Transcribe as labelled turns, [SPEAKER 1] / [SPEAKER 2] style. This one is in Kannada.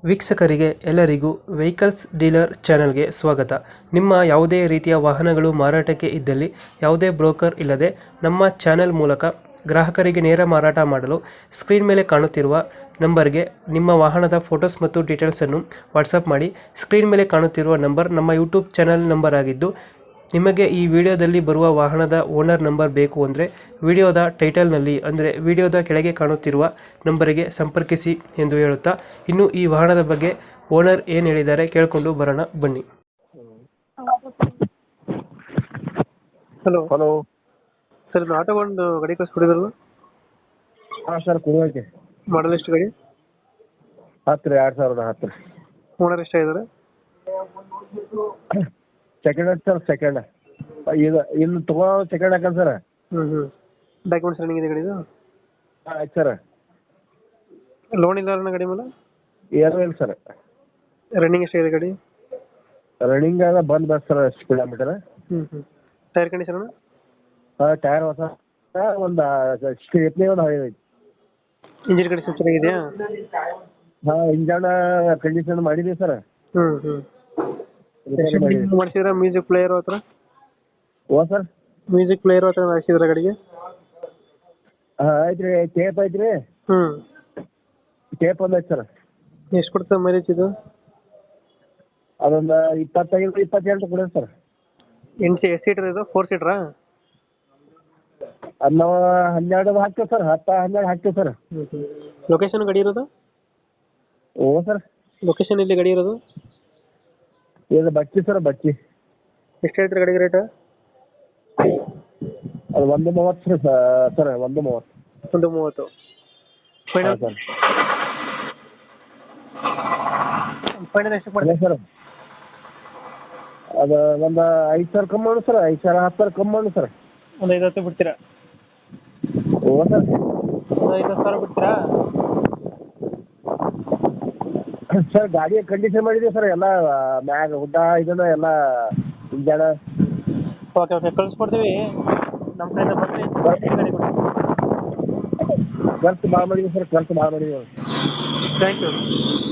[SPEAKER 1] ವೀಕ್ಷಕರಿಗೆ ಎಲ್ಲರಿಗೂ ವೆಹಿಕಲ್ಸ್ ಡೀಲರ್ ಚಾನೆಲ್ಗೆ ಸ್ವಾಗತ. ನಿಮ್ಮ ಯಾವುದೇ ರೀತಿಯ ವಾಹನಗಳು ಮಾರಾಟಕ್ಕೆ ಇದ್ದಲ್ಲಿ ಯಾವುದೇ ಬ್ರೋಕರ್ ಇಲ್ಲದೆ ನಮ್ಮ ಚಾನೆಲ್ ಮೂಲಕ ಗ್ರಾಹಕರಿಗೆ ನೇರ ಮಾರಾಟ ಮಾಡಲು ಸ್ಕ್ರೀನ್ ಮೇಲೆ ಕಾಣುತ್ತಿರುವ ನಂಬರ್ಗೆ ನಿಮ್ಮ ವಾಹನದ ಫೋಟೋಸ್ ಮತ್ತು ಡೀಟೇಲ್ಸನ್ನು ವಾಟ್ಸಪ್ ಮಾಡಿ. ಸ್ಕ್ರೀನ್ ಮೇಲೆ ಕಾಣುತ್ತಿರುವ ನಂಬರ್ ನಮ್ಮ ಯೂಟ್ಯೂಬ್ ಚಾನೆಲ್ ನಂಬರ್ ಆಗಿದ್ದು, ನಿಮಗೆ ಈ ವಿಡಿಯೋದಲ್ಲಿ ಬರುವ ವಾಹನದ ಓನರ್ ನಂಬರ್ ಬೇಕು ಅಂದರೆ ವಿಡಿಯೋದ ಟೈಟಲ್ನಲ್ಲಿ ಅಂದರೆ ವಿಡಿಯೋದ ಕೆಳಗೆ ಕಾಣುತ್ತಿರುವ ನಂಬರಿಗೆ ಸಂಪರ್ಕಿಸಿ ಎಂದು ಹೇಳುತ್ತಾ, ಇನ್ನು ಈ ವಾಹನದ ಬಗ್ಗೆ ಓನರ್ ಏನು ಹೇಳಿದ್ದಾರೆ ಕೇಳಿಕೊಂಡು ಬರೋಣ ಬನ್ನಿ. ಹಲೋ
[SPEAKER 2] ಹಲೋ
[SPEAKER 1] ಸರ್, ಇದು ಆಟೋ ಒಂದು ಗಾಡಿ ಕಳಿಸ್ಕೊಡಿದ್ರಲ್ಲ,
[SPEAKER 2] ಹಾಂ ಸರ್, ಕುರುವಾಕೆ
[SPEAKER 1] ಮಾಡಲ್ ಎಷ್ಟು ಗಾಡಿ?
[SPEAKER 2] 10 ರೀ, 2010 ರೀ.
[SPEAKER 1] ಓನರ್ ಎಷ್ಟಾಗಿದ್ದಾರೆ?
[SPEAKER 2] ಸೆಕೆಂಡ್ ಹತ್ತು ಸರ್, ಸೆಕೆಂಡ್ ಈಗ ಇನ್ನು ತಗೋ ಸೆಕೆಂಡ್ ಹಾಕಂತ ಸರ್.
[SPEAKER 1] ಡಾಕ್ಯುಮೆಂಟ್ಸ್ ರನ್ನಿಂಗ್ ಇದೆ ಗಾಡಿದು?
[SPEAKER 2] ಹಾಂ ಆಯ್ತು ಸರ್.
[SPEAKER 1] ಲೋನ್ ಇಲ್ಲ ಅಣ್ಣ ಗಾಡಿ ಮೇಲೆ?
[SPEAKER 2] ಏನೂ ಇಲ್ಲ ಸರ್.
[SPEAKER 1] ರನ್ನಿಂಗ್ ಎಷ್ಟಾಗಿದೆ ಗಾಡಿ?
[SPEAKER 2] ರನ್ನಿಂಗ್ ಆದ ಬಂದ್ ಬಸ್ ಸರ್, ಕಿಲೋಮೀಟರ್.
[SPEAKER 1] Tyre condition?
[SPEAKER 2] ಹಾಂ, ಟೈರ್ ಹೊಸ ಒಂದು ಸ್ಟೇಪ್ನಿ ಒಂದು ಹಳೆ ಐತಿ.
[SPEAKER 1] ಇಂಜಿನ್ ಕಂಡೀಷನ್ ಚೆನ್ನಾಗಿದೆಯಾ?
[SPEAKER 2] ಹಾಂ, ಇಂಜನ್ ಕಂಡೀಷನ್ ಮಾಡಿದ್ದೀವಿ ಸರ್.
[SPEAKER 1] ಮಾಡಿಸಿದ್ರ ಮ್ಯೂಸಿಕ್ ಪ್ಲೇಯರ್ ಹತ್ರ?
[SPEAKER 2] ಓ ಸರ್,
[SPEAKER 1] ಮ್ಯೂಸಿಕ್ ಪ್ಲೇಯರ್ ಹತ್ರ ಹಾಕ್ಸಿದ್ರ ಗಾಡಿಗೆ?
[SPEAKER 2] ಹಾಂ ಆಯ್ತು ರೀ, ಟೇಪ್ ಐತಿ ರೀ. ಟೇಪ್ ಒಂದು ಐತೆ ಸರ್.
[SPEAKER 1] ಎಷ್ಟು ಕೊಡ್ತದೆ ಮೈಲೇಜ್ ಇದು?
[SPEAKER 2] ಅದೊಂದು 25-28 ಕೊಡೋದು ಸರ್.
[SPEAKER 1] ಎಷ್ಟು ಸೀಟರ್ ಇದು? 4 ಸೀಟ್ರಾ?
[SPEAKER 2] ಅದು ನಾವು 12 ಹಾಕ್ತೇವೆ ಸರ್, 10-12 ಹಾಕ್ತೇವೆ ಸರ್.
[SPEAKER 1] ಲೊಕೇಶನ್ ಗಾಡಿ ಇರೋದು?
[SPEAKER 2] ಓ ಸರ್,
[SPEAKER 1] ಲೊಕೇಶನ್ ಇಲ್ಲಿ ಗಾಡಿ ಇರೋದು?
[SPEAKER 2] ಇದು ಬಚ್ಚಿ ಸರ್, ಬಚ್ಚಿ.
[SPEAKER 1] ಎಷ್ಟು ಹೇಳ್ತೀರಿ ಗಾಡಿಗೆ ರೇಟ್?
[SPEAKER 2] ಅದು 130 ಸರ್, 130.
[SPEAKER 1] 130 final
[SPEAKER 2] sir.
[SPEAKER 1] ಫೈನಲ್ ಎಷ್ಟು ಮಾಡ್ತೀವಿ
[SPEAKER 2] ಸರ್? ಅದು ಒಂದು 5,000 ಕಮ್ಮಿ ಮಾಡು ಸರ್, 5,000 10,000 ಕಮ್ಮಿ ಮಾಡು ಸರ್.
[SPEAKER 1] ಒಂದು 5,000 ಬಿಡ್ತೀರಾ?
[SPEAKER 2] ಓ ಸರ್,
[SPEAKER 1] ಒಂದು 5,000 ಬಿಡ್ತೀರಾ?
[SPEAKER 2] ಸರ್ ಗಾಡಿಯ ಕಂಡೀಷನ್ ಮಾಡಿದ್ದೀವಿ ಸರ್, ಎಲ್ಲ ಮ್ಯಾಗ ಹುಡ್ಡ ಇದನ್ನ ಎಲ್ಲ ಇಂಜನ.
[SPEAKER 1] ಓಕೆ ಕಳಿಸ್ಕೊಡ್ತೀವಿ. ನಮ್ಮ ಕಡೆಯಿಂದ ಬಂದರೆ ಗಾಡಿ ಕೊಡಿ.
[SPEAKER 2] ಖರ್ಚು ಭಾಳ ಮಾಡಿದ್ದೀವಿ ಸರ್, ಖರ್ಚು ಭಾಳ ಮಾಡಿದ್ದೀವಿ.
[SPEAKER 1] Thank you.